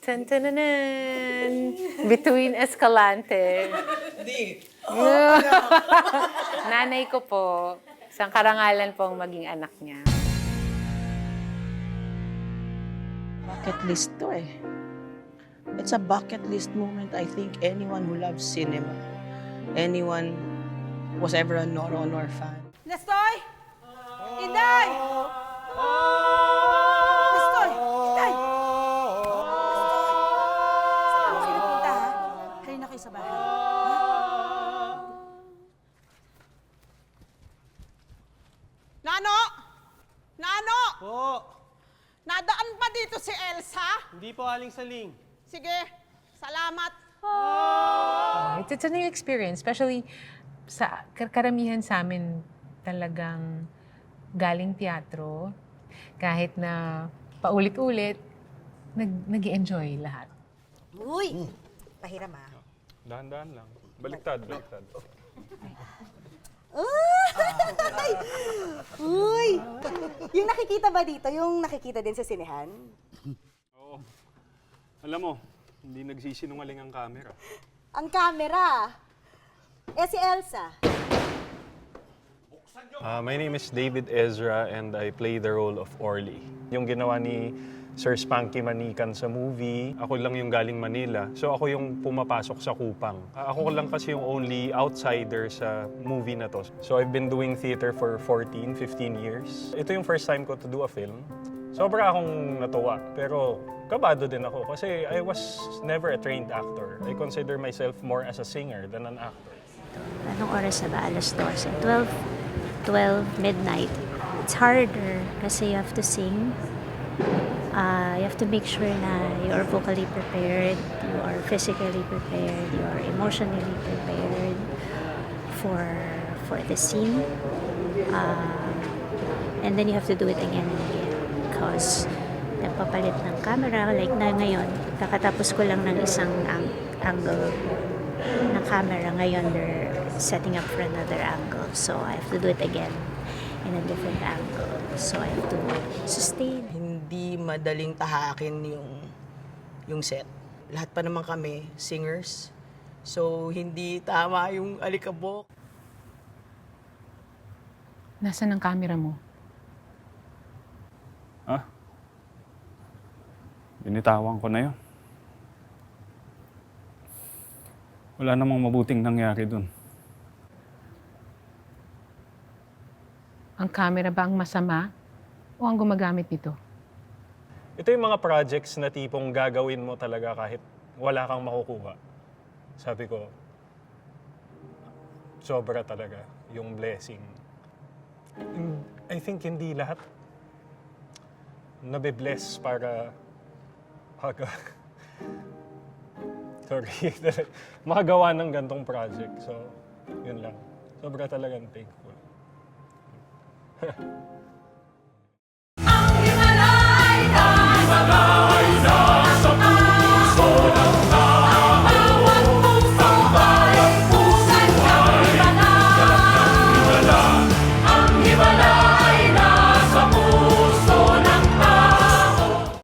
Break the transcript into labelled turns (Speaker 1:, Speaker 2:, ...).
Speaker 1: Tantananan! Between Escalante.
Speaker 2: Hindi.
Speaker 1: Nanay ko po. Isang karangalan pong maging anak niya.
Speaker 2: Bucket list to eh. It's a bucket list moment. I think anyone who loves cinema, anyone was ever a Noro Honor fan.
Speaker 3: Nestoy! Inday! Nestoy! Inday! Saan mo kayo nagpunta, ha? Halina kayo sa bahay. Ha?
Speaker 4: Nano! Nano!
Speaker 5: Po,
Speaker 4: Nadaan pa dito si Elsa?
Speaker 5: hindi po aling saling.
Speaker 4: Sige, salamat.
Speaker 1: It's a new experience, especially sa karamihan sa amin talagang galing teatro. Kahit na paulit-ulit, nag-enjoy lahat.
Speaker 3: Uy! Pahiram, ha?
Speaker 6: Dahan-dahan lang. Baliktad.
Speaker 3: Uy! Yung nakikita ba dito, yung nakikita din sa sinehan?
Speaker 6: Oo. Alam mo, hindi nagsisinungaling ang camera.
Speaker 3: Ang camera. Eh, si Elsa.
Speaker 6: My name is David Ezra and I play the role of Orly. Yung ginawa ni Sir Spanky Manikan sa movie, ako lang yung galing Manila. So ako yung pumapasok sa Kupang. Ako lang kasi yung only outsider sa movie na to. So I've been doing theater for 14, 15 years. Ito yung first time ko to do a film. Sobra akong natuwa, pero kabado din ako kasi I was never a trained actor. I consider myself more as a singer than an actor.
Speaker 7: Anong oras na ba? Alas 12. 12 midnight. It's harder kasi you have to sing. You have to make sure na you are vocally prepared, you are physically prepared, you are emotionally prepared for the scene. And then you have to do it again and again because nagpapalit ng camera. Like na ngayon, kakatapos ko lang ng isang angle ng camera. Ngayon, they're setting up for another angle. So I have to do it again in a different angle. So I have to sustain.
Speaker 2: Hindi madaling tahakin yung set. Lahat pa naman kami, singers. So, hindi tama yung alikabok.
Speaker 1: Nasaan ang camera mo?
Speaker 6: Binitawan ko na yun. Wala namang mabuting nangyari dun.
Speaker 1: Ang camera ba ang masama o ang gumagamit nito?
Speaker 6: Ito yung mga projects na tipong gagawin mo talaga kahit wala kang makukuha. Sabi ko, sobra talaga yung blessing. I think hindi lahat nabe-bless para makagawa ng gantong project. So, yun lang. Sobra talagang thankful.
Speaker 8: Ang Himalaya,